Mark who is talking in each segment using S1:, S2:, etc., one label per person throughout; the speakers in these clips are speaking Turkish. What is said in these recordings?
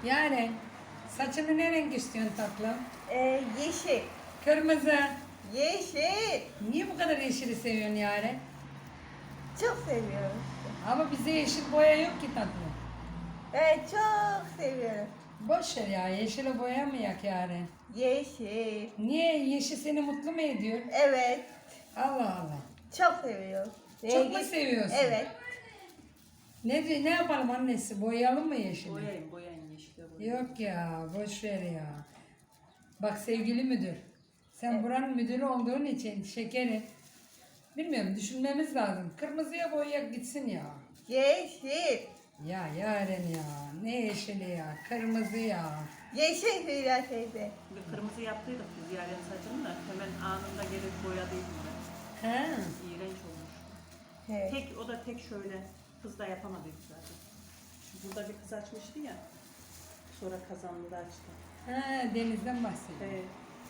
S1: Yani saçını ne renk istiyorsun tatlım?
S2: Yeşil.
S1: Kırmızı.
S2: Yeşil.
S1: Niye bu kadar yeşili seviyorsun yani?
S2: Çok seviyorum.
S1: Ama bize yeşil boya yok ki tatlım.
S2: Evet, çok seviyorum.
S1: Boş ver ya, yeşile boyamayak yani.
S2: Yeşil.
S1: Niye? Yeşil seni mutlu mu ediyor?
S2: Evet.
S1: Allah Allah.
S2: Çok seviyorum.
S1: Çok mu seviyorsun?
S2: Evet.
S1: Ne yapalım annesi? Boyayalım mı yeşili?
S3: Boyayın yeşile boyayın.
S1: Yok ya, boş ver ya. Bak sevgili müdür, sen buranın müdürü olduğun için şekeri, bilmiyorum düşünmemiz lazım. Kırmızıya boyayak gitsin ya.
S2: Yeşil.
S1: Ya Yaren ya, ne yeşili ya, kırmızı ya.
S2: Yeşil Hülya teyze.
S3: Bir kırmızı yaptıydık biz Yaren saçını da hemen anında gelip boyadıydım ben.
S1: He,
S3: İğrenç olmuş.
S2: Evet.
S3: O da tek şöyle kız da yapamadıydı zaten. Burada bir kız açmıştı ya. Sonra kazandı da açtı.
S1: he denizden bahsediyor.
S3: Evet.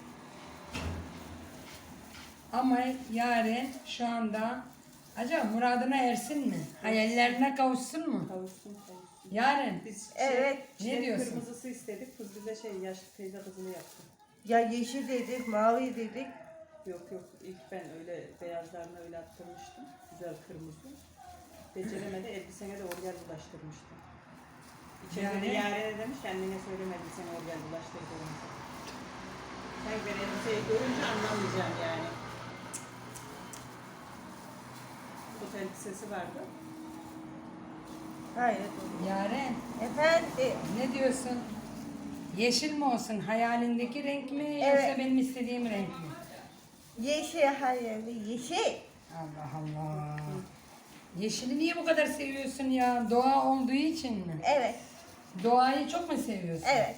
S1: Ama Yaren şu anda, acaba muradına ersin mi? Hayallerine kavuşsun mu?
S3: Kavuşsun.
S1: Yaren,
S3: Biz
S2: Evet.
S1: Ne diyorsun?
S3: Kırmızısı istedik. Kız bize yaşlı teyze kızını yaptı.
S2: Ya yeşil dedik, mavi dedik.
S3: Yok ilk ben öyle beyazlarını öyle attırmıştım. Güzel kırmızı. Beceremedi elbisene de orgel bulaştırmıştı. İçeride
S1: Yani?
S3: Yaren'e demiş kendine söyleme elbisene orgel bulaştırdı. Sen ben elbiseyi görünce anlamayacağım yani. Kot elbisesi vardı.
S2: Hayır.
S1: Yaren
S2: Efendim.
S1: ne diyorsun? Yeşil mi olsun, hayalindeki renk mi yoksa
S2: Evet.
S1: benim istediğim renk mi?
S2: Yeşil hayır. Yeşil.
S1: Allah Allah. Yeşili niye bu kadar seviyorsun ya? Doğa olduğu için mi?
S2: Evet.
S1: Doğayı çok mu seviyorsun?
S2: Evet.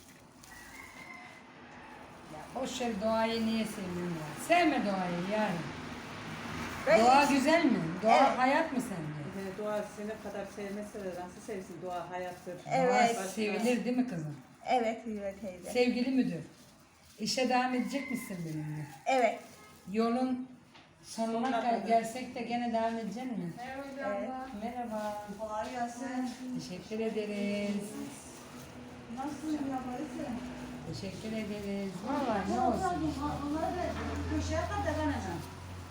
S1: Ya boş ver, doğayı niye seviyorsun ya? Sevme doğayı yani.
S2: Ben
S1: Doğa
S2: yeşil-
S1: güzel mi? Doğa
S2: Evet.
S1: hayat mı sence?
S3: Doğa seni kadar sevmese de nasıl sevsin? Doğa hayattır.
S2: Evet.
S1: Doğa sevilir değil mi kızım?
S2: Evet Hülya teyze.
S1: Sevgili müdür, işe devam edecek misin benimle?
S2: Evet.
S1: Yolun sonuna
S3: kadar.
S1: gelsek de gene devam edecek misin?
S2: Evet.
S1: Merhaba.
S2: Kolay gelsin.
S1: Teşekkür ederiz.
S2: Nasılsın yaparsın?
S1: Teşekkür ederiz. Vallahi ne olsun.
S2: Köşeye kadar anacığım.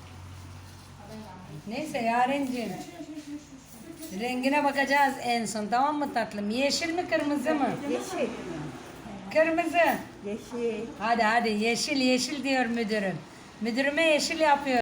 S1: Neyse Yarenciğim. Rengine bakacağız en son, tamam mı tatlım? Yeşil mi kırmızı mı?
S2: Yeşil.
S1: Kırmızı.
S2: Yeşil.
S1: Hadi yeşil yeşil diyor müdürüm. Müdürüme yeşil yapıyor.